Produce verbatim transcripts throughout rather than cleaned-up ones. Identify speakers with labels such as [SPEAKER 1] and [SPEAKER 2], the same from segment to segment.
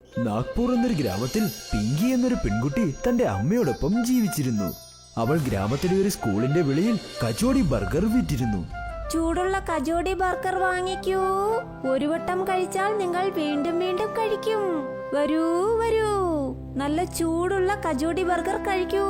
[SPEAKER 1] നാഗ്പൂർ എന്നൊരു ഗ്രാമത്തിൽ പിങ്കി എന്നൊരു പെൺകുട്ടി തന്റെ അമ്മയോടൊപ്പം ജീവിച്ചിരുന്നു. അവൾ ഗ്രാമത്തിലെ ഒരു സ്കൂളിന്റെ വെളിയിൽ കച്ചോടി ബർഗർ വിറ്റിരുന്നു.
[SPEAKER 2] ചൂടുള്ള കച്ചോടി ബർഗർ വാങ്ങിക്കൂ. ഒരു വട്ടം കഴിച്ചാൽ നിങ്ങൾ വീണ്ടും വീണ്ടും കഴിക്കും. വരൂ വരൂ, നല്ല ചൂടുള്ള കച്ചോടി ബർഗർ കഴിക്കൂ.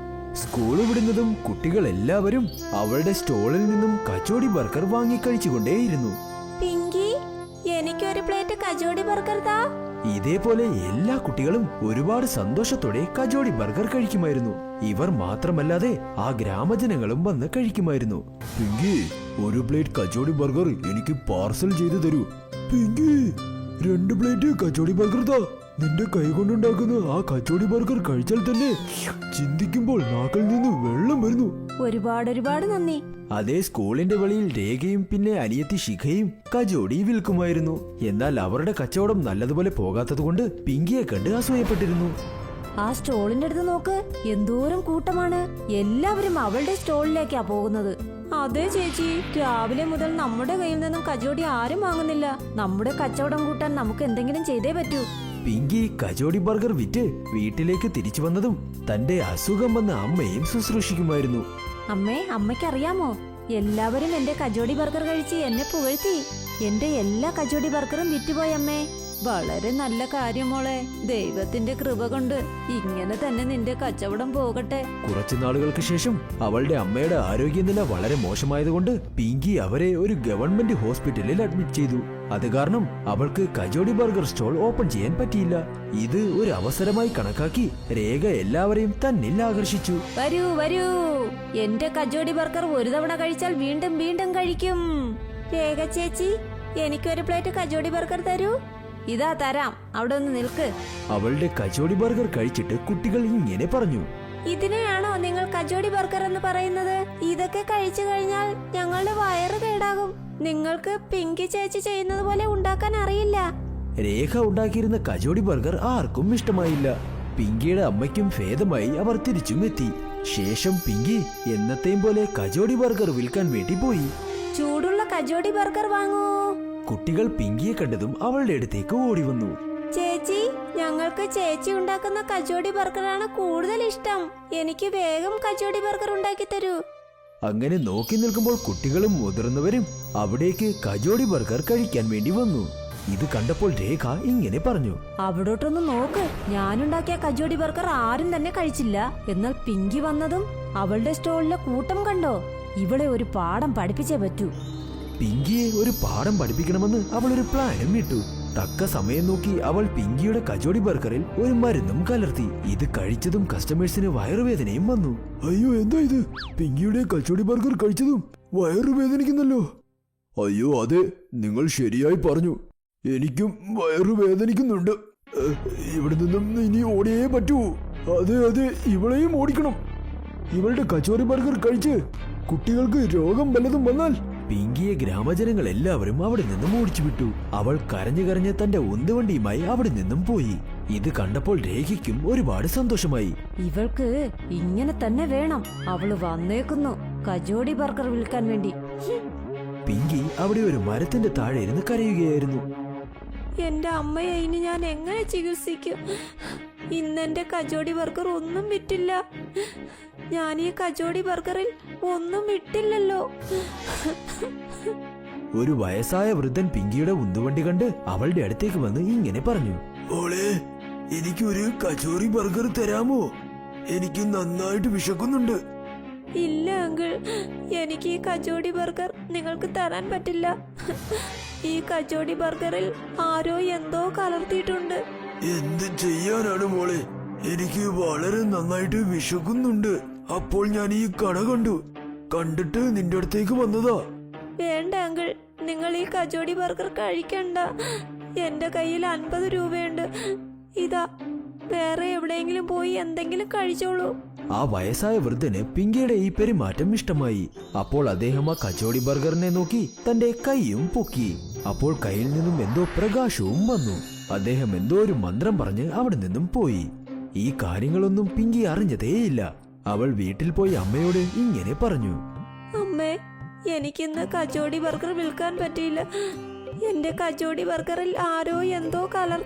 [SPEAKER 1] സ്കൂൾ വിടുന്നതും കുട്ടികൾ എല്ലാവരും അവളുടെ സ്റ്റോളിൽ നിന്നും കച്ചോടി ബർഗർ വാങ്ങി കഴിച്ചുകൊണ്ടേയിരുന്നു.
[SPEAKER 2] പിങ്കി, എനിക്കൊരു പ്ലേറ്റ് കച്ചോടി ബർഗർ താ.
[SPEAKER 1] ഇതേപോലെ എല്ലാ കുട്ടികളും ഒരുപാട് സന്തോഷത്തോടെ കച്ചോടി ബർഗർ കഴിക്കുമായിരുന്നു. ഇവർ മാത്രമല്ലാതെ ആ ഗ്രാമജനങ്ങളും വന്ന് കഴിക്കുമായിരുന്നു. പിങ്കി, ഒരു പ്ലേറ്റ് കച്ചോടി ബർഗർ എനിക്ക് പാർസൽ ചെയ്തു തരൂ. പിങ്കി, രണ്ട് പ്ലേറ്റ് കച്ചോടി ബർഗർ താ. നിന്റെ കൈ കൊണ്ടുണ്ടാക്കുന്ന ആ കച്ചോടി ബർഗർ കഴിച്ചാൽ തന്നെ ചിന്തിക്കുമ്പോൾ നാക്കിൽ നിന്ന് വെള്ളം വരുന്നു.
[SPEAKER 2] ഒരുപാട് ഒരുപാട് നന്ദി.
[SPEAKER 1] അതേ സ്കൂളിന്റെ വെളിയിൽ രേഖയും പിന്നെ അനിയത്തി ശിഖയും കച്ചോടി വിൽക്കുമായിരുന്നു. എന്നാൽ അവരുടെ കച്ചവടം നല്ലതുപോലെ പോകാത്തതുകൊണ്ട് പിങ്കിയെ കണ്ട് അസൂയപ്പെട്ടിരുന്നു.
[SPEAKER 2] ആ സ്റ്റോളിന്റെ അടുത്ത് നോക്ക്, എന്തോരം കൂട്ടമാണ്. എല്ലാവരും അവളുടെ സ്റ്റോളിലേക്കാ പോകുന്നത്. അതെ ചേച്ചി, രാവിലെ മുതൽ നമ്മുടെ കയ്യിൽ നിന്നും കച്ചോടി ആരും വാങ്ങുന്നില്ല. നമ്മുടെ കച്ചവടം കൂട്ടാൻ നമുക്ക് എന്തെങ്കിലും ചെയ്തേ പറ്റൂ.
[SPEAKER 1] പിങ്കി കച്ചോടി ബർഗർ വിറ്റ് വീട്ടിലേക്ക് തിരിച്ചു വന്നതും തന്റെ അസുഖം വന്ന അമ്മയും ശുശ്രൂഷിക്കുമായിരുന്നു.
[SPEAKER 2] അമ്മേ, അമ്മയ്ക്കറിയാമോ, എല്ലാവരും എന്റെ കച്ചോടി ബർഗർ കഴിച്ച് എന്നെ പുകഴ്ത്തി. എന്റെ എല്ലാ കച്ചോടി ബർഗറും വിറ്റുപോയി അമ്മേ. വളരെ നല്ല കാര്യം മോളെ. ദൈവത്തിന്റെ കൃപ കൊണ്ട് ഇങ്ങനെ തന്നെ നിന്റെ കച്ചവടം പോകട്ടെ.
[SPEAKER 1] കുറച്ചു നാളുകൾക്ക് ശേഷം അവളുടെ അമ്മയുടെ ആരോഗ്യനില വളരെ മോശമായതുകൊണ്ട് പിങ്കി അവരെ ഒരു ഗവൺമെന്റ് ഹോസ്പിറ്റലിൽ അഡ്മിറ്റ് ചെയ്തു. അത് കാരണം അവൾക്ക് കച്ചോടി ബർഗർ സ്റ്റോൾ ഓപ്പൺ ചെയ്യാൻ പറ്റിയില്ല. ഇത് ഒരു അവസരമായി കണക്കാക്കി രേഖ എല്ലാവരെയും തന്നിൽ ആകർഷിച്ചു.
[SPEAKER 2] വരൂ വരൂ, എന്റെ കച്ചോടി ബർഗർ ഒരു തവണ കഴിച്ചാൽ വീണ്ടും വീണ്ടും കഴിക്കും. രേഖ ചേച്ചി, എനിക്കൊരു പ്ലേറ്റ് കച്ചോടി ബർഗർ തരൂ. ഇതാ തരാം, അവിടെ ഒന്ന് നിൽക്ക്.
[SPEAKER 1] അവളുടെ കച്ചോടി ബർഗർ കഴിച്ചിട്ട് കുട്ടികൾ ഇങ്ങനെ പറഞ്ഞു.
[SPEAKER 2] ഇതിനെയാണോ നിങ്ങൾ കച്ചോടി ബർഗർ എന്ന് പറയുന്നത്? ഇതൊക്കെ കഴിച്ചു കഴിഞ്ഞാൽ ഞങ്ങളുടെ വയറ് കേടാകും. നിങ്ങൾക്ക് പിങ്കി ചേച്ചി ചെയ്യുന്നത് പോലെ ഉണ്ടാക്കാൻ അറിയില്ല.
[SPEAKER 1] രേഖ ഉണ്ടാക്കിയിരുന്ന കച്ചോടി ബർഗർ ആർക്കും ഇഷ്ടമായില്ല. പിങ്കിയുടെ അമ്മയ്ക്കും ഭേദമായി അവർ തിരിച്ചും എത്തി. ശേഷം പിങ്കി എന്നത്തെയും പോലെ കച്ചോടി ബർഗർ വിൽക്കാൻ വേണ്ടി പോയി.
[SPEAKER 2] ചൂടുള്ള കച്ചോടി ബർഗർ വാങ്ങൂ.
[SPEAKER 1] കുട്ടികൾ പിങ്കിയെ കണ്ടതും അവളുടെ അടുത്തേക്ക് ഓടി വന്നു.
[SPEAKER 2] ചേച്ചി, ഞങ്ങൾക്ക് ചേച്ചി ഉണ്ടാക്കുന്ന കച്ചോടി ബർഗറാണ് കൂടുതൽ ഇഷ്ടം. എനിക്ക് വേഗം കച്ചോടി ബർഗർ ഉണ്ടാക്കി തരൂ.
[SPEAKER 1] അങ്ങനെ നോക്കി നിൽക്കുമ്പോൾ കുട്ടികളും മുതിർന്നവരും അവിടേക്ക് കച്ചോടി ബർഗർ കഴിക്കാൻ വേണ്ടി വന്നു. ഇത് കണ്ടപ്പോൾ രേഖ ഇങ്ങനെ പറഞ്ഞു.
[SPEAKER 2] അവിടോട്ടൊന്ന് നോക്ക്, ഞാനുണ്ടാക്കിയ കച്ചോടി ബർഗർ ആരും തന്നെ കഴിച്ചില്ല. എന്നാൽ പിങ്കി വന്നതും അവളുടെ സ്റ്റോളിലെ കൂട്ടം കണ്ടോ? ഇവളെ ഒരു പാഠം പഠിപ്പിച്ചേ പറ്റൂ.
[SPEAKER 1] പിങ്കിയെ ഒരു പാഠം പഠിപ്പിക്കണമെന്ന് അവൾ ഒരു പ്ലാനും ഇട്ടു. തക്ക സമയം നോക്കി അവൾ പിങ്കിയുടെ കച്ചോടി ബർഗറിൽ ഒരു മരുന്നും കലർത്തി. ഇത് കഴിച്ചതും കസ്റ്റമേഴ്സിന് വയറുവേദനയും വന്നു. അയ്യോ, എന്താ ഇത്? പിങ്കിയുടെ കച്ചോടി ബർഗർ കഴിച്ചതും വയറുവേദനിക്കുന്നല്ലോ. അയ്യോ അതെ, നിങ്ങൾ ശരിയായി പറഞ്ഞു. എനിക്കും വയറുവേദനിക്കുന്നുണ്ട്. ഇവിടെ നിന്നും ഇനി ഓടിയേ പറ്റൂ. അതെ അതെ, ഇവളെയും ഓടിക്കണം. ഇവളുടെ കച്ചോടി ബർഗർ കഴിച്ച് കുട്ടികൾക്ക് രോഗം വല്ലതും വന്നാൽ. പിങ്കിയെ ഗ്രാമജനങ്ങൾ എല്ലാവരും അവിടെ നിന്നും ഓടിച്ചു വിട്ടു. അവൾ കരഞ്ഞു കരഞ്ഞ് തന്റെ ഉന്തുവണ്ടിയുമായി അവിടെ നിന്നും പോയി. ഇത് കണ്ടപ്പോൾ രേഖയ്ക്കും ഒരുപാട് സന്തോഷമായി.
[SPEAKER 2] ഇവൾക്ക് ഇങ്ങനെ തന്നെ വേണം. അവള് വന്നേക്കുന്നു കച്ചോടി ബർഗർ വിൽക്കാൻ വേണ്ടി.
[SPEAKER 1] പിങ്കി അവിടെ ഒരു മരത്തിന്റെ താഴെ ഇരുന്ന് കരയുകയായിരുന്നു.
[SPEAKER 2] എന്റെ അമ്മയെ ഇനി ഞാൻ എങ്ങനെ ചികിത്സിക്കും? ഇന്നെന്റെ കച്ചോടി ബർഗർ ഒന്നും വിറ്റില്ല. ഞാൻ ഈ കച്ചോടി ബർഗറിൽ ഒന്നും വിട്ടില്ലല്ലോ.
[SPEAKER 1] ഒരു വയസ്സായ വൃദ്ധൻ പിങ്കിയുടെ ഉന്തുവണ്ടി കണ്ട് അവളുടെ അടുത്തേക്ക് വന്ന് ഇങ്ങനെ പറഞ്ഞു. ഓളെ, എനിക്ക് ഒരു കച്ചോറി ബർഗർ തരാമോ? എനിക്ക് നന്നായിട്ട് വിശക്കുന്നുണ്ട്.
[SPEAKER 2] ഇല്ല അങ്കിൾ, എനിക്ക് ഈ കച്ചോടി ബർഗർ നിങ്ങൾക്ക് തരാൻ പറ്റില്ല. ഈ കച്ചോടി ബർഗറിൽ ആരോ എന്തോ കലർത്തിയിട്ടുണ്ട്.
[SPEAKER 1] എന്ത് ചെയ്യാനാണ് മോളെ? എനിക്ക് വളരെ നന്നായിട്ട് വിശക്കുന്നുണ്ട്. അപ്പോൾ ഞാൻ ഈ കട കണ്ടു. കണ്ടിട്ട് നിന്റെ അടുത്തേക്ക് വന്നതാ.
[SPEAKER 2] വേണ്ട അങ്കിൾ, നിങ്ങൾ ഈ കച്ചോടി ബർഗർ കഴിക്കണ്ട. എന്റെ കയ്യിൽ അൻപത് രൂപയുണ്ട്. ഇതാ, വേറെ എവിടെയെങ്കിലും പോയി എന്തെങ്കിലും കഴിച്ചോളൂ.
[SPEAKER 1] ആ വയസ്സായ വൃദ്ധന് പിങ്കിയുടെ ഈ പെരുമാറ്റം ഇഷ്ടമായി. അപ്പോൾ അദ്ദേഹം ആ കച്ചോടി ബർഗറിനെ നോക്കി തന്റെ കൈയും പൊക്കി. അപ്പോൾ കയ്യിൽ നിന്നും എന്തോ പ്രകാശവും വന്നു. അദ്ദേഹം എന്തോ ഒരു മന്ത്രം പറഞ്ഞ് അവിടെ നിന്നും പോയി. ഈ കാര്യങ്ങളൊന്നും പിങ്കി അറിഞ്ഞതേയില്ല. അവൾ വീട്ടിൽ പോയി അമ്മയോട് ഇങ്ങനെ പറഞ്ഞു.
[SPEAKER 2] അമ്മേ, എനിക്കിന്ന് കച്ചോടി ബർഗർ വിൽക്കാൻ പറ്റിയില്ല. എന്റെ കച്ചോടി ബർഗറിൽ ആരോ എന്തോ കലർത്തി.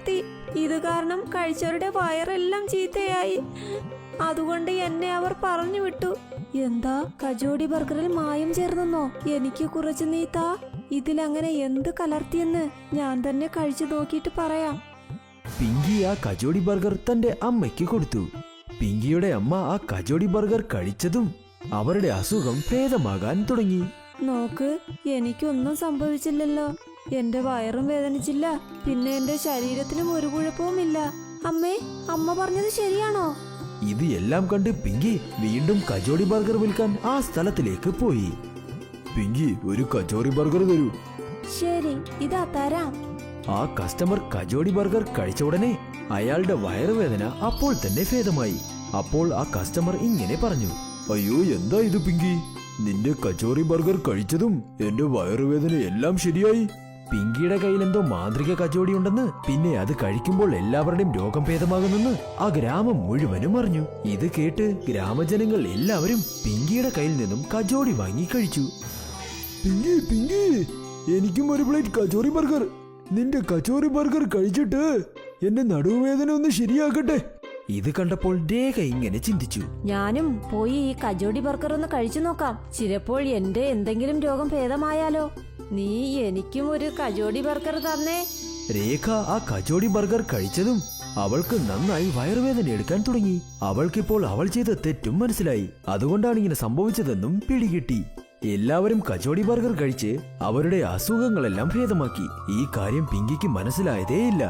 [SPEAKER 2] ഇത് കാരണം കഴിച്ചവരുടെ വയറെല്ലാം ചീത്തയായി. അതുകൊണ്ട് എന്നെ അവർ പറഞ്ഞു വിട്ടു. എന്താ, കജോടി ബർഗറിൽ മായം ചേർന്നെന്നോ? എനിക്ക് കുറച്ച് നീ താ. ഇതിലങ്ങനെ എന്ത് കലർത്തിയെന്ന് ഞാൻ തന്നെ കഴിച്ചു നോക്കിയിട്ട് പറയാം.
[SPEAKER 1] പിങ്കി ആ കജോടി ബർഗർ തന്റെ അമ്മയ്ക്ക് കൊടുത്തു. പിങ്കിയുടെ അമ്മ ആ കജോടി ബർഗർ കഴിച്ചതും അവരുടെ അസുഖം ഭേദമാകാൻ തുടങ്ങി.
[SPEAKER 2] നോക്ക്, എനിക്കൊന്നും സംഭവിച്ചില്ലല്ലോ. എന്റെ വയറും വേദനിച്ചില്ല, പിന്നെ എന്റെ ശരീരത്തിനും ഒരു കുഴപ്പവുമില്ല. അമ്മേ, അമ്മ പറഞ്ഞത് ശരിയാണോ?
[SPEAKER 1] ഇത് എല്ലാം കണ്ട് പിങ്കി വീണ്ടും കജോടി ബർഗർ വിൽക്കാൻ ആ സ്ഥലത്തിലേക്ക് പോയി. പിങ്കി, ഒരു കജോടി ബർഗർ തരൂ.
[SPEAKER 2] ശരി, ഇതാ തരാം.
[SPEAKER 1] ആ കസ്റ്റമർ കജോടി ബർഗർ കഴിച്ച ഉടനെ അയാളുടെ വയറുവേദന അപ്പോൾ തന്നെ ഭേദമായി. അപ്പോൾ ആ കസ്റ്റമർ ഇങ്ങനെ പറഞ്ഞു, അയ്യോ, എന്താ ഇത് പിങ്കി? നിന്റെ കച്ചോറി ബർഗർ കഴിച്ചതും എന്റെ വയറുവേദന എല്ലാം ശരിയായി. പിങ്കിയുടെ കയ്യിൽ എന്തോ മാന്ത്രിക കച്ചോടി ഉണ്ടെന്ന്, പിന്നെ അത് കഴിക്കുമ്പോൾ എല്ലാവരുടെയും രോഗം ഭേദമാകുന്നെന്ന് ആ ഗ്രാമം മുഴുവനും അറിഞ്ഞു. ഇത് കേട്ട് ഗ്രാമജനങ്ങൾ എല്ലാവരും പിങ്കിയുടെ കയ്യിൽ നിന്നും കച്ചോടി വാങ്ങി കഴിച്ചു. പിങ്കി, പിങ്കി, എനിക്കും ഒരു പ്ലേറ്റ് കച്ചോറി ബർഗർ. നിന്റെ കച്ചോറി ബർഗർ കഴിച്ചിട്ട് എന്റെ നടുവേദന ഒന്ന് ശരിയാക്കട്ടെ. ഇത് കണ്ടപ്പോൾ രേഖ ഇങ്ങനെ ചിന്തിച്ചു,
[SPEAKER 2] ഞാനും പോയി ഈ കജോടി ബർഗർ ഒന്ന് കഴിച്ചു നോക്കാം. ചിലപ്പോൾ എന്റെ എന്തെങ്കിലും രോഗം ഭേദമായാലോ. നീ എനിക്കും ഒരു കജോടി ബർഗർ തന്നേ.
[SPEAKER 1] രേഖ ആ കജോടി ബർഗർ കഴിച്ചതും അവൾക്ക് നന്നായി വയറുവേദന എടുക്കാൻ തുടങ്ങി. അവൾക്കിപ്പോൾ അവൾ ചെയ്ത തെറ്റും മനസ്സിലായി. അതുകൊണ്ടാണ് ഇങ്ങനെ സംഭവിച്ചതെന്നും പിടികിട്ടി. എല്ലാവരും കജോടി ബർഗർ കഴിച്ച് അവരുടെ അസുഖങ്ങളെല്ലാം ഭേദമാക്കി. ഈ കാര്യം പിങ്കിക്ക് മനസ്സിലായതേയില്ല.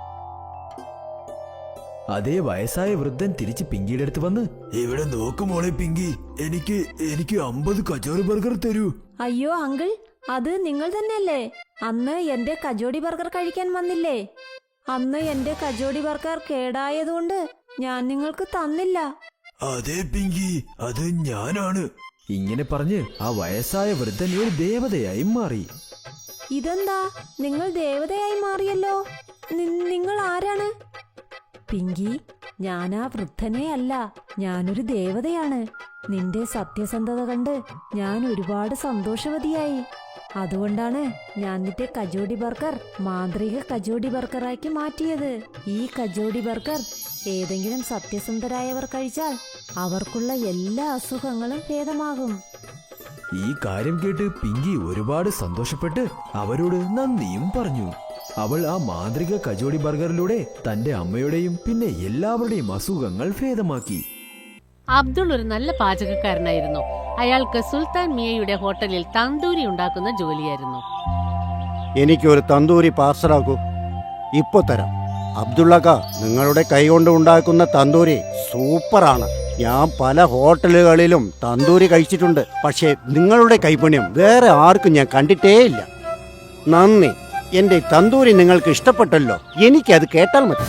[SPEAKER 1] അതേ വയസ്സായ വൃദ്ധൻ തിരിച്ച് പിങ്കിയുടെ അടുത്ത് വന്ന്, ഇവിടെ നോക്കുമോളെ പിങ്കി, എനിക്ക് എനിക്ക് അമ്പത് കച്ചോറി ബർഗർ തരൂ.
[SPEAKER 2] അയ്യോ അങ്കിൾ, അത് നിങ്ങൾ തന്നെയല്ലേ അന്ന് എന്റെ കജോടി ബർഗർ കഴിക്കാൻ വന്നില്ലേ? അന്ന് എന്റെ കജോടി ബർഗർ കേടായതുകൊണ്ട് ഞാൻ നിങ്ങൾക്ക് തന്നില്ല.
[SPEAKER 1] അതെ പിങ്കി, അത് ഞാനാണ്. ഇങ്ങനെ പറഞ്ഞ് ആ വയസ്സായ വൃദ്ധൻ ഒരു ദേവതയായി മാറി.
[SPEAKER 2] ഇതെന്താ, നിങ്ങൾ ദേവതയായി മാറിയല്ലോ. നിങ്ങൾ ആരാണ്? പിങ്കി, ഞാനാ വൃദ്ധനെ അല്ല, ഞാനൊരു ദേവതയാണ്. നിന്റെ സത്യസന്ധത കണ്ട് ഞാൻ ഒരുപാട് സന്തോഷവതിയായി. അതുകൊണ്ടാണ് ഞാൻ നിന്റെ കജോടി ബർഗർ മാന്ത്രിക കജോടി ബർഗറാക്കി മാറ്റിയത്. ഈ കജോടി ബർഗർ ഏതെങ്കിലും സത്യസന്ധരായവർ കഴിച്ചാൽ അവർക്കുള്ള എല്ലാ അസുഖങ്ങളും ഭേദമാകും.
[SPEAKER 1] ഈ കാര്യം കേട്ട് പിങ്കി ഒരുപാട് സന്തോഷപ്പെട്ട് അവരോട് നന്ദിയും പറഞ്ഞു. അവൾ ആ മാന്ത്രിക കജോടി ബർഗറിലൂടെ തന്റെ അമ്മയുടെയും പിന്നെ എല്ലാവരുടെയും അസുഖങ്ങൾ ഭേദമാക്കി.
[SPEAKER 3] അബ്ദുൾ ഒരു നല്ല പാചകക്കാരനായിരുന്നു. അയാൾക്ക് സുൽത്താൻ മിയയുടെ ഹോട്ടലിൽ തന്തൂരി ഉണ്ടാക്കുന്ന ജോലിയായിരുന്നു.
[SPEAKER 4] എനിക്കൊരു തന്തൂരി പാർസലാക്കൂ. ഇപ്പൊ തരാം. അബ്ദുള്ളക്ക, നിങ്ങളുടെ കൈകൊണ്ട് ഉണ്ടാക്കുന്ന തന്തൂരി സൂപ്പറാണ്. ഞാൻ പല ഹോട്ടലുകളിലും തന്തൂരി കഴിച്ചിട്ടുണ്ട്, പക്ഷേ നിങ്ങളുടെ കൈപുണ്യം വേറെ ആർക്കും ഞാൻ കണ്ടിട്ടേയില്ല. നന്ദി. എന്റെ തന്തൂരി നിങ്ങൾക്ക് ഇഷ്ടപ്പെട്ടല്ലോ. എനിക്കത് കേട്ടാൽ മതി.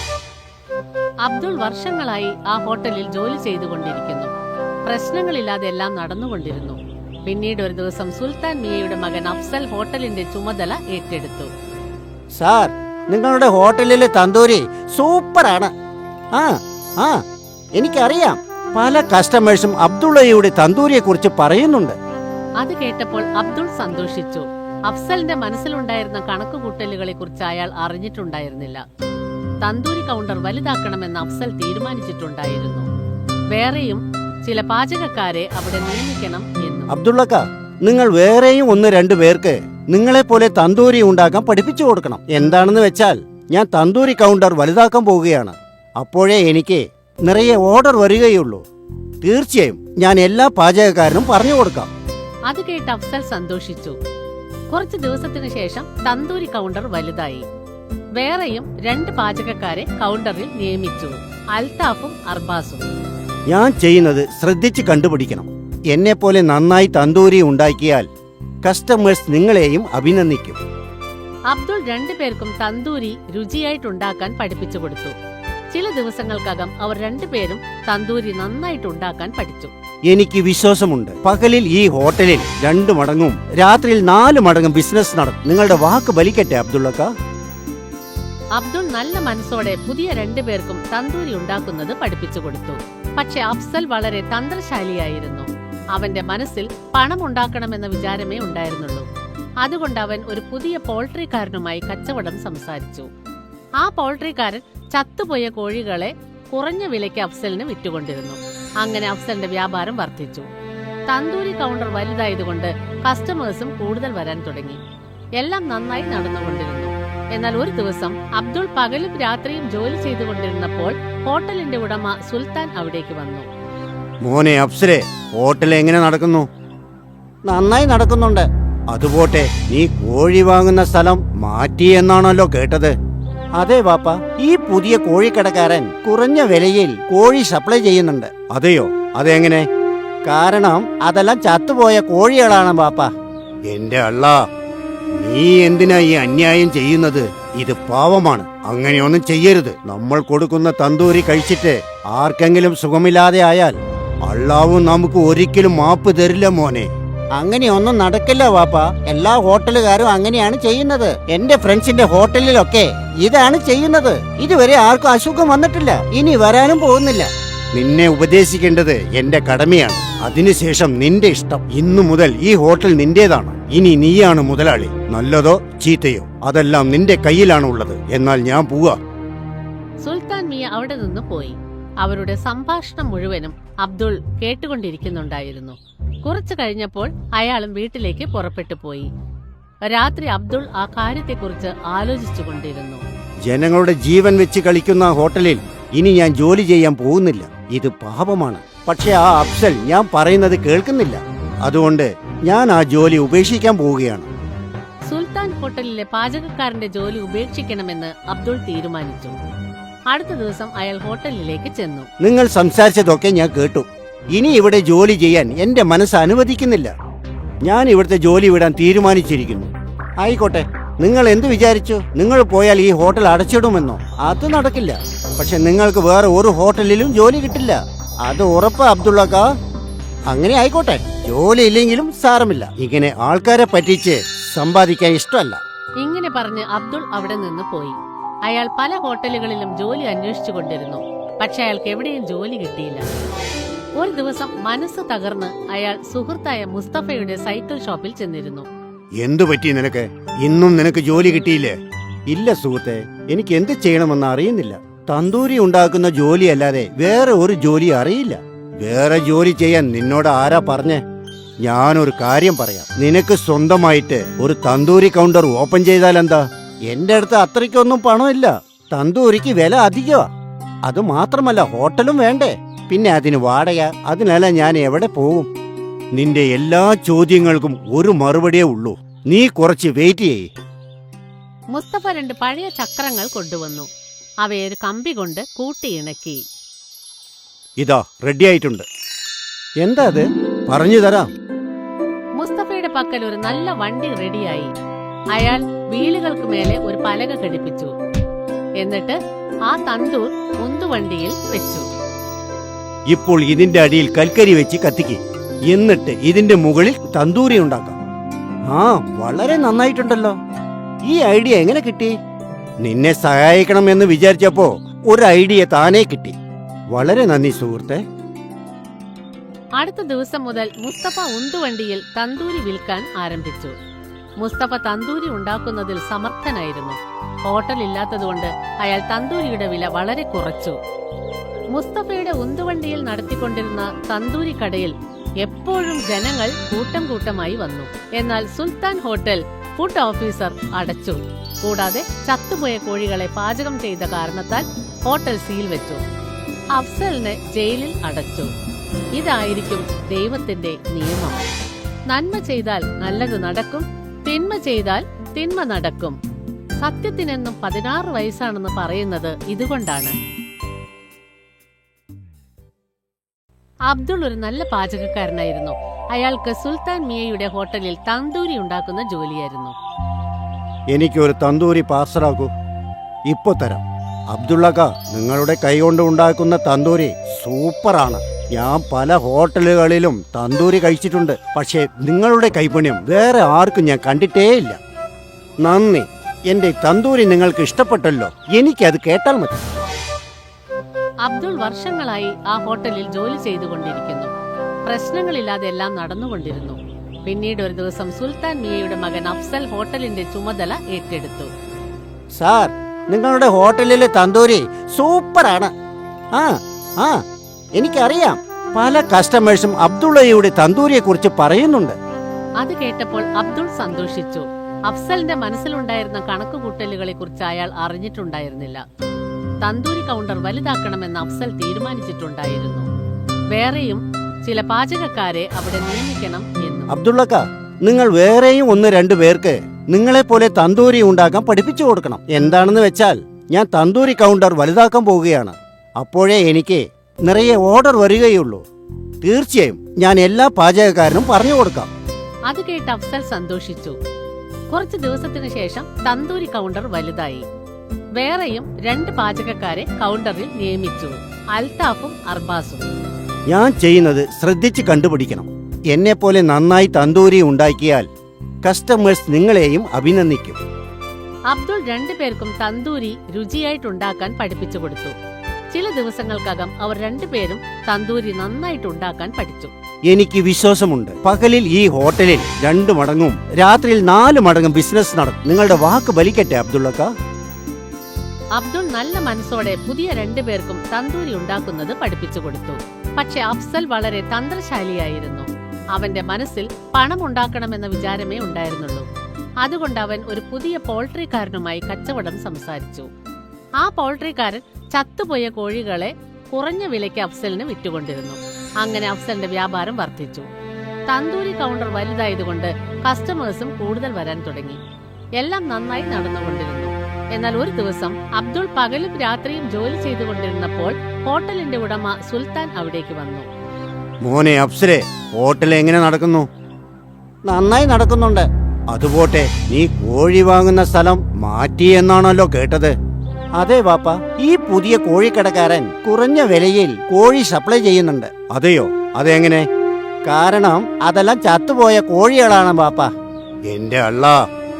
[SPEAKER 3] അബ്ദുൾ വർഷങ്ങളായി ആ ഹോട്ടലിൽ ജോലി ചെയ്തുകൊണ്ടിരിക്കുന്നു. പ്രശ്നങ്ങളില്ലാതെ എല്ലാം നടന്നുകൊണ്ടിരുന്നു. പിന്നീട് ഒരു ദിവസം സുൽത്താൻ മിയയുടെ മകൻ അഫ്സൽ ഹോട്ടലിന്റെ ചുമതല ഏറ്റെടുത്തു.
[SPEAKER 4] സാർ, നിങ്ങളുടെ ഹോട്ടലിലെ തന്തൂരി സൂപ്പറാണ്. ആ ആ എനിക്കറിയാം. പല കസ്റ്റമേഴ്സും അബ്ദുള്ളയുടെ തന്തൂരിയെ കുറിച്ച് പറയുന്നുണ്ട്.
[SPEAKER 3] അത് കേട്ടപ്പോൾ അബ്ദുൾ സന്തോഷിച്ചു. അഫ്സലിന്റെ മനസ്സിലുണ്ടായിരുന്ന കണക്കുകൂട്ടലുകളെ കുറിച്ച് അയാൾ അറിഞ്ഞിട്ടുണ്ടായിരുന്നില്ല. തന്തൂരി കൗണ്ടർ വലുതാക്കണമെന്ന് അഫ്സൽ തീരുമാനിച്ചിട്ടുണ്ടായിരുന്നു. വേറെയും ചില പാചകക്കാരെ അവിടെ നിയമിക്കണം എന്നും.
[SPEAKER 4] അബ്ദുള്ളക്ക, നിങ്ങൾ വേറെയും ഒന്ന് രണ്ടു പേർക്ക് നിങ്ങളെ പോലെ തന്തൂരി ഉണ്ടാക്കാൻ പഠിപ്പിച്ചു കൊടുക്കണം. എന്താണെന്ന് വെച്ചാൽ ഞാൻ തന്തൂരി കൗണ്ടർ വലുതാക്കാൻ പോവുകയാണ്. അപ്പോഴേ എനിക്ക് നിറയെ ഓർഡർ വരികയുള്ളൂ. തീർച്ചയായും ഞാൻ എല്ലാ പാചകക്കാരനും പറഞ്ഞു കൊടുക്കാം.
[SPEAKER 3] അത് കേട്ട് അഫ്സൽ സന്തോഷിച്ചു. കുറച്ചു ദിവസത്തിനു ശേഷം തന്തൂരി കൗണ്ടർ വലുതായി. വേറെയും രണ്ട് പാചകക്കാരെ കൗണ്ടറിൽ നിയമിച്ചു, അൽത്താഫും അർബാസും.
[SPEAKER 4] ഞാൻ ചെയ്യുന്നത് ശ്രദ്ധിച്ച് കണ്ടുപിടിക്കണം. എന്നെ പോലെ നന്നായി തന്തൂരി ഉണ്ടാക്കിയാൽ കസ്റ്റമേഴ്സ് നിങ്ങളെയും അഭിനന്ദിക്കും.
[SPEAKER 3] അബ്ദുൾ രണ്ടുപേർക്കും തന്തൂരി രുചിയായിട്ടുണ്ടാക്കാൻ പഠിപ്പിച്ചു കൊടുത്തു. ചില ദിവസങ്ങൾക്കകം അവർ രണ്ടുപേരും തന്തൂരി നന്നായിട്ടുണ്ടാക്കാൻ പഠിച്ചു.
[SPEAKER 4] എനിക്ക് വിശ്വാസമുണ്ട്, പകലിൽ ഈ ഹോട്ടലിൽ രണ്ടു മടങ്ങും രാത്രിയിൽ നാല് മടങ്ങും ബിസിനസ് നടത്തും. നിങ്ങളുടെ വാക്ക് ബലിക്കട്ടെ അബ്ദുള്ളക്ക.
[SPEAKER 3] അബ്ദുൾ നല്ല മനസ്സോടെ പുതിയ രണ്ടുപേർക്കും തന്തൂരി ഉണ്ടാക്കുന്നത് പഠിപ്പിച്ചു കൊടുത്തു. പക്ഷെ അഫ്സൽ വളരെ തന്ത്രശാലിയായിരുന്നു. അവന്റെ മനസ്സിൽ പണം ഉണ്ടാക്കണമെന്ന വിചാരമേ ഉണ്ടായിരുന്നുള്ളൂ. അതുകൊണ്ട് അവൻ ഒരു പുതിയ പോൾട്രിക്കാരനുമായി കച്ചവടം സംസാരിച്ചു. ആ പൗൾട്രിക്കാരൻ ചത്തുപോയ കോഴികളെ കുറഞ്ഞ വിലയ്ക്ക് അഫ്സലിന് വിറ്റുകൊണ്ടിരുന്നു. അങ്ങനെ അഫ്സലിന്റെ വ്യാപാരം വർദ്ധിച്ചു. തന്തൂരി കൗണ്ടർ വലുതായതുകൊണ്ട് കസ്റ്റമേഴ്സും കൂടുതൽ വരാൻ തുടങ്ങി. എല്ലാം നന്നായി നടന്നുകൊണ്ടിരുന്നു. എന്നാൽ ഒരു ദിവസം അബ്ദുൾ പകലും രാത്രിയും ജോലി ചെയ്തുകൊണ്ടിരുന്നപ്പോൾ ഹോട്ടലിന്റെ ഉടമ സുൽത്താൻ അവിടേക്ക് വന്നു.
[SPEAKER 4] മോനെ അഫ്സലെ, ഹോട്ടൽ എങ്ങനെ നടക്കുന്നു? നന്നായി നടക്കുന്നുണ്ട്. അതുപോട്ടെ, നീ കോഴി വാങ്ങുന്ന സ്ഥലം മാറ്റി എന്നാണല്ലോ കേട്ടത്. അതെ വാപ്പ, ഈ പുതിയ കോഴിക്കടക്കാരൻ കുറഞ്ഞ വിലയിൽ കോഴി സപ്ലൈ ചെയ്യുന്നുണ്ട്. അതെയോ? അതെങ്ങനെ? കാരണം അതെല്ലാം ചത്തുപോയ കോഴികളാണ് വാപ്പ. എന്റെ അള്ളാ, നീ എന്തിനാ ഈ അന്യായം ചെയ്യുന്നത്? ഇത് പാവമാണ്. അങ്ങനെയൊന്നും ചെയ്യരുത്. നമ്മൾ കൊടുക്കുന്ന തന്തൂരി കഴിച്ചിട്ട് ആർക്കെങ്കിലും സുഖമില്ലാതെ ആയാൽ അള്ളാവും നമുക്ക് ഒരിക്കലും മാപ്പ് തരില്ല മോനെ. അങ്ങനെയൊന്നും നടക്കില്ല വാപ്പ. എല്ലാ ഹോട്ടലുകാരും അങ്ങനെയാണ് ചെയ്യുന്നത്. എന്റെ ഫ്രണ്ട്സിന്റെ ഹോട്ടലിലൊക്കെ ഇതാണ് ചെയ്യുന്നത്. ഇതുവരെ ആർക്കും അസുഖം വന്നിട്ടില്ല, ഇനി വരാനും പോകുന്നില്ല. നിന്നെ ഉപദേശിക്കേണ്ടത് എന്റെ കടമയാണ്. അതിനുശേഷം നിന്റെ ഇഷ്ടം. ഇന്നു മുതൽ ഈ ഹോട്ടൽ നിന്റേതാണ്. ഇനി നീയാണ് മുതലാളി. നല്ലതോ ചീത്തയോ അതെല്ലാം നിന്റെ കയ്യിലാണ് ഉള്ളത്. എന്നാൽ ഞാൻ പോവാ.
[SPEAKER 3] സുൽത്താൻ മിയ അവിടെ നിന്ന് പോയി. അവരുടെ സംഭാഷണം മുഴുവനും അബ്ദുൾ കേട്ടുകൊണ്ടിരിക്കുന്നുണ്ടായിരുന്നു. കുറച്ചു കഴിഞ്ഞപ്പോൾ അയാളും വീട്ടിലേക്ക് പുറപ്പെട്ടു പോയി. രാത്രി അബ്ദുൾ ആ കാര്യത്തെക്കുറിച്ച് ആലോചിച്ചുകൊണ്ടിരുന്നു.
[SPEAKER 4] ജനങ്ങളുടെ ജീവൻ വെച്ച് കളിക്കുന്ന ഹോട്ടലിൽ ഇനി ഞാൻ ജോലി ചെയ്യാൻ പോകുന്നില്ല. ഇത് പാപമാണ്. പക്ഷെ ആ അഫ്സൽ ഞാൻ പറയുന്നത് കേൾക്കുന്നില്ല. അതുകൊണ്ട് ഞാൻ ആ ജോലി ഉപേക്ഷിക്കാൻ പോവുകയാണ്.
[SPEAKER 3] സുൽത്താൻ ഹോട്ടലിലെ പാചകക്കാരന്റെ ജോലി ഉപേക്ഷിക്കണമെന്ന് അബ്ദുൾ തീരുമാനിച്ചു. അടുത്ത ദിവസം അയാൾ ഹോട്ടലിലേക്ക് ചെന്നു.
[SPEAKER 4] നിങ്ങൾ സംസാരിച്ചതൊക്കെ ഞാൻ കേട്ടു. ഇനി ഇവിടെ ജോലി ചെയ്യാൻ എന്റെ മനസ്സ് അനുവദിക്കുന്നില്ല. ഞാൻ ഇവിടുത്തെ ജോലി വിടാൻ തീരുമാനിച്ചിരിക്കുന്നു. ആയിക്കോട്ടെ, നിങ്ങൾ എന്ത് വിചാരിച്ചു? നിങ്ങൾ പോയാൽ ഈ ഹോട്ടൽ അടച്ചിടുമെന്നോ? അത് നടക്കില്ല. പക്ഷെ നിങ്ങൾക്ക് വേറെ ഒരു ഹോട്ടലിലും ജോലി കിട്ടില്ല. അത് ഉറപ്പ് അബ്ദുള്ളക്ക. അങ്ങനെ ആയിക്കോട്ടെ, ജോലി ഇല്ലെങ്കിലും സാരമില്ല. ഇങ്ങനെ ആൾക്കാരെ പറ്റിച്ച് സമ്പാദിക്കാൻ ഇഷ്ടമല്ല.
[SPEAKER 3] ഇങ്ങനെ പറഞ്ഞ് അബ്ദുൾ അവിടെ നിന്ന് പോയി. അയാൾ പല ഹോട്ടലുകളിലും ജോലി അന്വേഷിച്ചു കൊണ്ടിരുന്നു. പക്ഷെ അയാൾക്ക് എവിടെയും ജോലി കിട്ടിയില്ല. ഒരു ദിവസം മനസ്സ് തകർന്ന് അയാൾ സുഹൃത്തായ മുസ്തഫയുടെ സൈക്കിൾ ഷോപ്പിൽ ചെന്നിരുന്നു.
[SPEAKER 4] എന്തു പറ്റി നിനക്ക്? ഇന്നും നിനക്ക് ജോലി കിട്ടിയില്ലേ? ഇല്ല സുഹൃത്തെ, എനിക്ക് എന്ത് ചെയ്യണമെന്ന് അറിയുന്നില്ല. തന്തൂരി ഉണ്ടാക്കുന്ന ജോലി അല്ലാതെ വേറെ ഒരു ജോലി അറിയില്ല. വേറെ ജോലി ചെയ്യാൻ നിന്നോട് ആരാ പറഞ്ഞേ? ഞാനൊരു കാര്യം പറയാം. നിനക്ക് സ്വന്തമായിട്ട് ഒരു തന്തൂരി കൗണ്ടർ ഓപ്പൺ ചെയ്താൽ എന്താ? എന്റെ അടുത്ത് അത്രയ്ക്കൊന്നും പണമില്ല. തന്തൂരിക്ക് വില അധികമാ. അത് മാത്രമല്ല, ഹോട്ടലും വേണ്ടേ? പിന്നെ അതിന് വാടക. അതിനല്ല ഞാൻ എവിടെ പോകും? നിന്റെ എല്ലാ ചോദ്യങ്ങൾക്കും ഒരു മറുപടിയേ ഉള്ളൂ. നീ കുറച്ച് വെയിറ്റ് ചെയ്യ്.
[SPEAKER 3] മുസ്തഫ രണ്ട് പഴയ ചക്രങ്ങൾ കൊണ്ടുവന്നു. അവയെ ഒരു കമ്പി കൊണ്ട് കൂട്ടിയിണക്കി.
[SPEAKER 4] ഇതാ റെഡി ആയിട്ടുണ്ട്. എന്താ അത്? പറഞ്ഞു തരാം.
[SPEAKER 3] മുസ്തഫയുടെ പക്കൽ ഒരു നല്ല വണ്ടി റെഡിയായി. അയാൾ വീലുകൾക്ക് മേലെ ഒരു പലക ഘടിപ്പിച്ചു. എന്നിട്ട് ആ തന്തൂർ ഉന്തുവണ്ടിയിൽ വെച്ചു.
[SPEAKER 4] ഇപ്പോൾ ഇതിന്റെ അടിയിൽ കൽക്കരി വെച്ച് കത്തിക്ക്. എന്നിട്ട് ഇതിന്റെ മുകളിൽ തന്തൂരി ഉണ്ടാക്കാം. ആ, വളരെ നന്നായിട്ടുണ്ടല്ലോ. ഈ ഐഡിയ എങ്ങനെ കിട്ടി? നിന്നെ സഹായിക്കണം എന്ന് വിചാരിച്ചപ്പോ ഒരു ഐഡിയ താനേ കിട്ടി. വളരെ നന്ദി സുഹൃത്തെ.
[SPEAKER 3] അടുത്ത ദിവസം മുതൽ മുസ്തഫ ഉന്തുവണ്ടിയിൽ തന്തൂരി വിൽക്കാൻ ആരംഭിച്ചു. മുസ്തഫ തന്തൂരി ഉണ്ടാക്കുന്നതിൽ സമർത്ഥനായിരുന്നു. ഹോട്ടൽ ഇല്ലാത്തതുകൊണ്ട് അയാൾ തന്തൂരിയുടെ വില വളരെ കുറച്ചു. മുസ്തഫയുടെ ഉന്തുവണ്ടിയിൽ നടത്തിക്കൊണ്ടിരുന്ന തന്തൂരി കടയിൽ എപ്പോഴും ജനങ്ങൾ കൂട്ടം കൂട്ടമായി വന്നു. എന്നാൽ സുൽത്താൻ ഹോട്ടൽ ഫുഡ് ഓഫീസർ അടച്ചു. കൂടാതെ ചത്തുപോയ കോഴികളെ പാചകം ചെയ്ത കാരണത്താൽ ഹോട്ടൽ സീൽ വെച്ചു. അഫ്സലിനെ ജയിലിൽ അടച്ചു. ഇതായിരിക്കും ദൈവത്തിന്റെ നിയമം. നന്മ ചെയ്താൽ നല്ലത് നടക്കും, തിന്മ ചെയ്താൽ തിന്മ നടക്കും. സത്യത്തിനെന്നും പതിനാറ് വയസ്സാണെന്ന് പറയുന്നത് ഇതുകൊണ്ടാണ്. അബ്ദുൾ ഒരു നല്ല പാചകക്കാരനായിരുന്നു. അയാൾക്ക് സുൽത്താൻ മിയയുടെ ഹോട്ടലിൽ തന്തൂരി ഉണ്ടാക്കുന്ന ജോലിയായിരുന്നു.
[SPEAKER 4] എനിക്കൊരു തന്തൂരി പാർസലാക്കൂ. ഇപ്പൊ തരാം. അബ്ദുള്ളക്ക, നിങ്ങളുടെ കൈകൊണ്ട് ഉണ്ടാക്കുന്ന തന്തൂരി സൂപ്പറാണ്. ഞാൻ പല ഹോട്ടലുകളിലും തന്തൂരി കഴിച്ചിട്ടുണ്ട്. പക്ഷേ നിങ്ങളുടെ കൈപുണ്യം വേറെ ആർക്കും ഞാൻ കണ്ടിട്ടേയില്ല. നന്ദി. എന്റെ തന്തൂരി നിങ്ങൾക്ക് ഇഷ്ടപ്പെട്ടല്ലോ. എനിക്കത് കേട്ടാൽ മതി.
[SPEAKER 3] അബ്ദുൾ വർഷങ്ങളായി ആ ഹോട്ടലിൽ ജോലി ചെയ്തുകൊണ്ടിരിക്കുന്നു. പ്രശ്നങ്ങളില്ലാതെ എല്ലാം നടന്നുകൊണ്ടിരുന്നു. പിന്നീട് ഒരു ദിവസം സുൽത്താൻ മിയയുടെ മകൻ അഫ്സൽ ഹോട്ടലിന്റെ ചുമതല ഏറ്റെടുത്തു.
[SPEAKER 4] സാർ, നിങ്ങളുടെ ഹോട്ടലിലെ തന്തൂരി സൂപ്പറാണ്. ആ ആ എനിക്കറിയാം, പല കസ്റ്റമേഴ്സും അബ്ദുള്ളയുടെ തന്തൂരിയെ കുറിച്ച് പറയുന്നുണ്ട്.
[SPEAKER 3] അത് കേട്ടപ്പോൾ അബ്ദുൾ സന്തോഷിച്ചു. അഫ്സലിന്റെ മനസ്സിലുണ്ടായിരുന്ന കണക്കുകൂട്ടലുകളെ കുറിച്ച് അയാൾ അറിഞ്ഞിട്ടുണ്ടായിരുന്നില്ല. തന്തൂരി കൗണ്ടർ വലുതാക്കണമെന്ന് അഫ്സൽ തീരുമാനിച്ചിട്ടുണ്ടായിരുന്നു. വേറെയും ചില പാചകക്കാരെ അവിടെ നിയമിക്കണം എന്നും.
[SPEAKER 4] അബ്ദുള്ളക്ക, നിങ്ങൾ വേറെയും ഒന്ന് രണ്ടു പേർക്ക് നിങ്ങളെ പോലെ തന്തൂരി ഉണ്ടാക്കാൻ പഠിപ്പിച്ചു കൊടുക്കണം. എന്താണെന്ന് വെച്ചാൽ ഞാൻ തന്തൂരി കൗണ്ടർ വലുതാക്കാൻ പോവുകയാണ്. അപ്പോഴേ എനിക്ക് നിറയെ ഓർഡർ വരികയുള്ളൂ. തീർച്ചയായും ഞാൻ എല്ലാ പാചകക്കാരനും പറഞ്ഞു കൊടുക്കാം.
[SPEAKER 3] അത് കേട്ട് അഫ്സൽ സന്തോഷിച്ചു. കുറച്ചു ദിവസത്തിനു ശേഷം തന്തൂരി കൗണ്ടർ വലുതായി. വേറെയും രണ്ട് പാചകക്കാരെ കൗണ്ടറിൽ നിയമിച്ചു, അൽത്താഫും അർബാസും.
[SPEAKER 4] ഞാൻ ചെയ്യുന്നത് ശ്രദ്ധിച്ച് കണ്ടുപിടിക്കണം. എന്നെ പോലെ നന്നായി തന്തൂരി ഉണ്ടാക്കിയാൽ കസ്റ്റമേഴ്സ് നിങ്ങളെയും അഭിനന്ദിക്കും.
[SPEAKER 3] അബ്ദുൾ രണ്ടുപേർക്കും തന്തൂരി രുചിയായിട്ടുണ്ടാക്കാൻ പഠിപ്പിച്ചു കൊടുത്തു. ചില ദിവസങ്ങൾക്കകം അവർ രണ്ടുപേരും തന്തൂരി നന്നായിട്ടുണ്ടാക്കാൻ പഠിച്ചു.
[SPEAKER 4] എനിക്ക് വിശ്വാസമുണ്ട്, പകലിൽ ഈ ഹോട്ടലിൽ രണ്ടു മടങ്ങും രാത്രിയിൽ നാല് മടങ്ങും ബിസിനസ് നടക്കും. നിങ്ങളുടെ വാക്ക് ബലിക്കട്ടെ അബ്ദുള്ളക്ക.
[SPEAKER 3] അബ്ദുൾ നല്ല മനസ്സോടെ പുതിയ രണ്ടുപേർക്കും തന്തൂരി ഉണ്ടാക്കുന്നത് പഠിപ്പിച്ചു കൊടുത്തു. പക്ഷെ അഫ്സൽ വളരെ തന്ത്രശാലിയായിരുന്നു. അവന്റെ മനസ്സിൽ പണം ഉണ്ടാക്കണമെന്ന വിചാരമേ ഉണ്ടായിരുന്നുള്ളൂ. അതുകൊണ്ട് അവൻ ഒരു പുതിയ പോൾട്രിക്കാരനുമായി കച്ചവടം സംസാരിച്ചു. ആ പോൾട്രിക്കാരൻ ചത്തുപോയ കോഴികളെ കുറഞ്ഞ വിലയ്ക്ക് അഫ്സലിന് വിറ്റുകൊണ്ടിരുന്നു. അങ്ങനെ അഫ്സലിന്റെ വ്യാപാരം വർദ്ധിച്ചു. തന്തൂരി കൗണ്ടർ വലുതായതുകൊണ്ട് കസ്റ്റമേഴ്സും കൂടുതൽ വരാൻ തുടങ്ങി. എല്ലാം നന്നായി നടന്നുകൊണ്ടിരുന്നു. എന്നാൽ ഒരു ദിവസം അബ്ദുൾ പകലും രാത്രിയും ജോലി ചെയ്തുകൊണ്ടിരുന്നപ്പോൾ ഹോട്ടലിന്റെ ഉടമ സുൽത്താൻ അവിടേക്ക് വന്നു.
[SPEAKER 4] മോനെ അഫ്സലെ, ഹോട്ടൽ എങ്ങനെ നടക്കുന്നു? നന്നായി നടക്കുന്നുണ്ട്. അതുപോട്ടെ, നീ കോഴി വാങ്ങുന്ന സ്ഥലം മാറ്റി എന്നാണല്ലോ കേട്ടത്. അതെ വാപ്പ, ഈ പുതിയ കോഴിക്കടക്കാരൻ കുറഞ്ഞ വിലയിൽ കോഴി സപ്ലൈ ചെയ്യുന്നുണ്ട്. അതെയോ? അതെങ്ങനെ? കാരണം അതെല്ലാം ചത്തുപോയ കോഴികളാണ് വാപ്പ. എന്റെ അള്ളാ,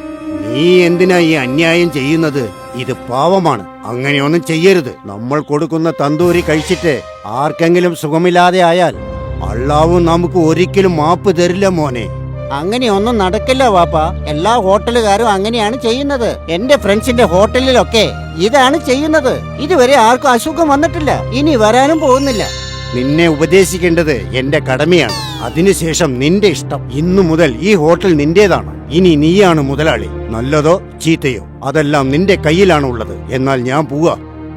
[SPEAKER 4] നീ എന്തിനാ ഈ അന്യായം ചെയ്യുന്നത്? ഇത് പാവമാണ്. അങ്ങനെയൊന്നും ചെയ്യരുത്. നമ്മൾ കൊടുക്കുന്ന തന്തൂരി കഴിച്ചിട്ട് ആർക്കെങ്കിലും സുഖമില്ലാതെ ആയാൽ അള്ളാവും നമുക്ക് ഒരിക്കലും മാപ്പ് തരില്ല മോനെ. അങ്ങനെയൊന്നും നടക്കില്ല വാപ്പ. എല്ലാ ഹോട്ടലുകാരും അങ്ങനെയാണ് ചെയ്യുന്നത്. എന്റെ ഫ്രണ്ട്സിന്റെ ഹോട്ടലിലൊക്കെ ഇതാണ് ചെയ്യുന്നത്. ഇതുവരെ ആർക്കും അസുഖം വന്നിട്ടില്ല, ഇനി വരാനും പോകുന്നില്ല. നിന്നെ ഉപദേശിക്കേണ്ടത് എന്റെ കടമയാണ്. അതിനുശേഷം നിന്റെ ഇഷ്ടം. ഇന്നു മുതൽ ഈ ഹോട്ടൽ നിന്റേതാണ്. ഇനി നീയാണ് മുതലാളി. നല്ലതോ ചീത്തയോ അതെല്ലാം നിന്റെ കയ്യിലാണ് ഉള്ളത്. എന്നാൽ ഞാൻ പോവാ.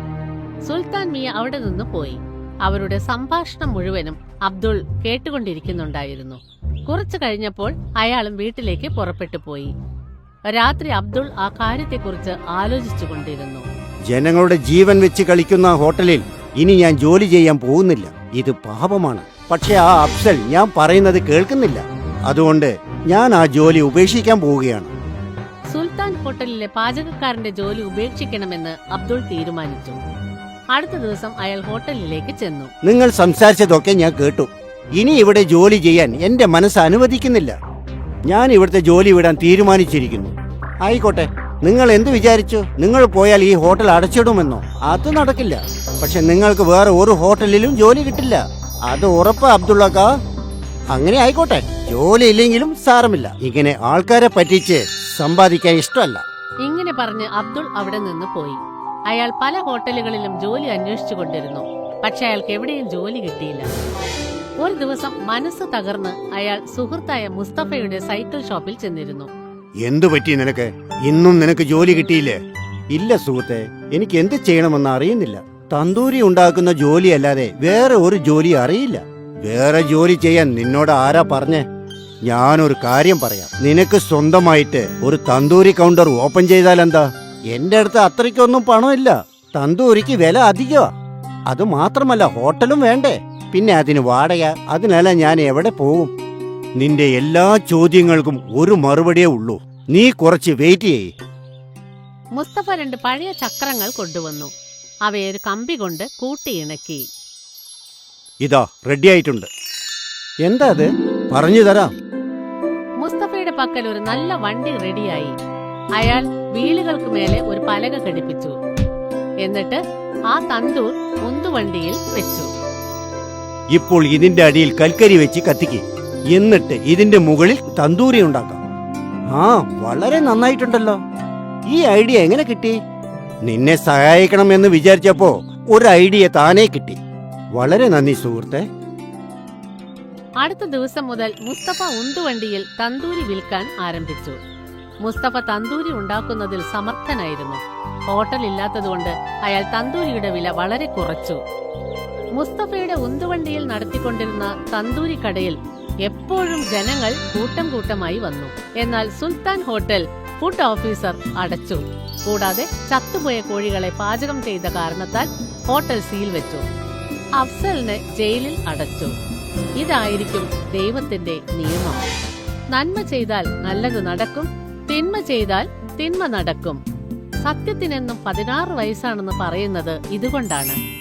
[SPEAKER 3] സുൽത്താൻ മിയ അവിടെ നിന്ന് പോയി. അവരുടെ സംഭാഷണം മുഴുവനും അബ്ദുൾ കേട്ടുകൊണ്ടിരിക്കുന്നുണ്ടായിരുന്നു. കുറച്ചു കഴിഞ്ഞപ്പോൾ അയാളും വീട്ടിലേക്ക് പുറപ്പെട്ടു പോയി. രാത്രി അബ്ദുൾ ആ കാര്യത്തെക്കുറിച്ച് ആലോചിച്ചുകൊണ്ടിരുന്നു.
[SPEAKER 4] ജനങ്ങളുടെ ജീവൻ വെച്ച് കളിക്കുന്ന ഹോട്ടലിൽ ഇനി ഞാൻ ജോലി ചെയ്യാൻ പോകുന്നില്ല. ഇത് പാപമാണ്. പക്ഷെ ആ അഫ്സൽ ഞാൻ പറയുന്നത് കേൾക്കുന്നില്ല. അതുകൊണ്ട് ഞാൻ ആ ജോലി ഉപേക്ഷിക്കാൻ പോവുകയാണ്.
[SPEAKER 3] സുൽത്താൻ ഹോട്ടലിലെ പാചകക്കാരന്റെ ജോലി ഉപേക്ഷിക്കണമെന്ന് അബ്ദുൾ തീരുമാനിച്ചു. അടുത്ത ദിവസം അയാൾ ഹോട്ടലിലേക്ക് ചെന്നു.
[SPEAKER 4] നിങ്ങൾ സംസാരിച്ചതൊക്കെ ഞാൻ കേട്ടു. ഇനി ഇവിടെ ജോലി ചെയ്യാൻ എന്റെ മനസ്സ് അനുവദിക്കുന്നില്ല. ഞാൻ ഇവിടുത്തെ ജോലി വിടാൻ തീരുമാനിച്ചിരിക്കുന്നു. ആയിക്കോട്ടെ, നിങ്ങൾ എന്ത് വിചാരിച്ചു? നിങ്ങൾ പോയാൽ ഈ ഹോട്ടൽ അടച്ചിടുമെന്നോ? അത് നടക്കില്ല. പക്ഷെ നിങ്ങൾക്ക് വേറെ ഒരു ഹോട്ടലിലും ജോലി കിട്ടില്ല. അത് ഉറപ്പ് അബ്ദുള്ളക്ക. അങ്ങനെ ആയിക്കോട്ടെ, ജോലി ഇല്ലെങ്കിലും സാരമില്ല. ഇങ്ങനെ ആൾക്കാരെ പറ്റിച്ച് സമ്പാദിക്കാൻ ഇഷ്ടമല്ല.
[SPEAKER 3] ഇങ്ങനെ പറഞ്ഞ് അബ്ദുൾ അവിടെ നിന്ന് പോയി. അയാൾ പല ഹോട്ടലുകളിലും ജോലി അന്വേഷിച്ചു കൊണ്ടിരുന്നു. പക്ഷെ അയാൾക്ക് എവിടെയും ജോലി കിട്ടിയില്ല. ഒരു ദിവസം മനസ്സ് തകർന്ന് അയാൾ സുഹൃത്തായ മുസ്തഫയുടെ സൈക്കിൾ ഷോപ്പിൽ ചെന്നിരുന്നു.
[SPEAKER 4] എന്തു പറ്റി നിനക്ക്? ഇന്നും നിനക്ക് ജോലി കിട്ടിയില്ലേ? ഇല്ല സുഹൃത്തെ, എനിക്ക് എന്ത് ചെയ്യണമെന്ന് അറിയുന്നില്ല. തന്തൂരി ഉണ്ടാക്കുന്ന ജോലി അല്ലാതെ വേറെ ഒരു ജോലി അറിയില്ല. വേറെ ജോലി ചെയ്യാൻ നിന്നോട് ആരാ പറഞ്ഞേ? ഞാനൊരു കാര്യം പറയാം. നിനക്ക് സ്വന്തമായിട്ട് ഒരു തന്തൂരി കൗണ്ടർ ഓപ്പൺ ചെയ്താൽ എന്താ? എന്റെ അടുത്ത് അത്രയ്ക്കൊന്നും പണമില്ല. തന്തൂരിക്ക് വില അധികമാ. അത് മാത്രമല്ല, ഹോട്ടലും വേണ്ടേ? പിന്നെ അതിന് വാടക. അതിനല്ല ഞാൻ എവിടെ പോകും? നിന്റെ എല്ലാ ചോദ്യങ്ങൾക്കും ഒരു മറുപടിയേ ഉള്ളൂ. നീ കുറച്ച് വെയിറ്റ് ചെയ്യ്.
[SPEAKER 3] മുസ്തഫ രണ്ട് പഴയ ചക്രങ്ങൾ കൊണ്ടുവന്നു. അവയെ ഒരു കമ്പി കൊണ്ട് കൂട്ടിയിണക്കി.
[SPEAKER 4] ഇതാ റെഡി ആയിട്ടുണ്ട്. എന്താ അത്? പറഞ്ഞു തരാം.
[SPEAKER 3] മുസ്തഫയുടെ പക്കൽ ഒരു നല്ല വണ്ടി റെഡിയായി. അയാൾ വീലുകൾക്ക് മേലെ ഒരു പലക ഘടിപ്പിച്ചു. എന്നിട്ട് ആ തന്തൂർ ഉന്തുവണ്ടിയിൽ വെച്ചു.
[SPEAKER 4] ഇപ്പോൾ ഇതിന്റെ അടിയിൽ കൽക്കരി വെച്ച് കത്തിക്ക്. എന്നിട്ട് ഇതിന്റെ മുകളിൽ തന്തൂരി ഉണ്ടാക്കാം. ആ, വളരെ നന്നായിട്ടുണ്ടല്ലോ. ഈ ഐഡിയ എങ്ങനെ കിട്ടി? നിന്നെ സഹായിക്കണമെന്ന് വിചാരിച്ചപ്പോ ഒരു ഐഡിയ താനേ കിട്ടി. വളരെ നന്ദി സുഹൃത്തെ.
[SPEAKER 3] അടുത്ത ദിവസം മുതൽ മുസ്തഫ ഉന്തുവണ്ടിയിൽ തന്തൂരി വിൽക്കാൻ ആരംഭിച്ചു. മുസ്തഫ തന്തൂരി ഉണ്ടാക്കുന്നതിൽ സമർത്ഥനായിരുന്നു. ഹോട്ടൽ ഇല്ലാത്തതുകൊണ്ട് അയാൾ തന്തൂരിയുടെ വില വളരെ കുറച്ചു. മുസ്തഫയുടെ ഉന്തുവണ്ടിയിൽ നടത്തിക്കൊണ്ടിരുന്ന തന്തൂരി കടയിൽ എപ്പോഴും ജനങ്ങൾ കൂട്ടം കൂട്ടമായി വന്നു. എന്നാൽ സുൽത്താൻ ഹോട്ടൽ ഫുഡ് ഓഫീസർ അടച്ചു. കൂടാതെ ചത്തുപോയ കോഴികളെ പാചകം ചെയ്ത കാരണത്താൽ ഹോട്ടൽ സീൽ വെച്ചു. അഫ്സലിനെ ജയിലിൽ അടച്ചു. ഇതായിരിക്കും ദൈവത്തിന്റെ നിയമം. നന്മ ചെയ്താൽ നല്ലത് നടക്കും, തിന്മ ചെയ്താൽ തിന്മ നടക്കും. സത്യത്തിനെന്നും പതിനാറ് വയസ്സാണെന്ന് പറയുന്നത് ഇതുകൊണ്ടാണ്.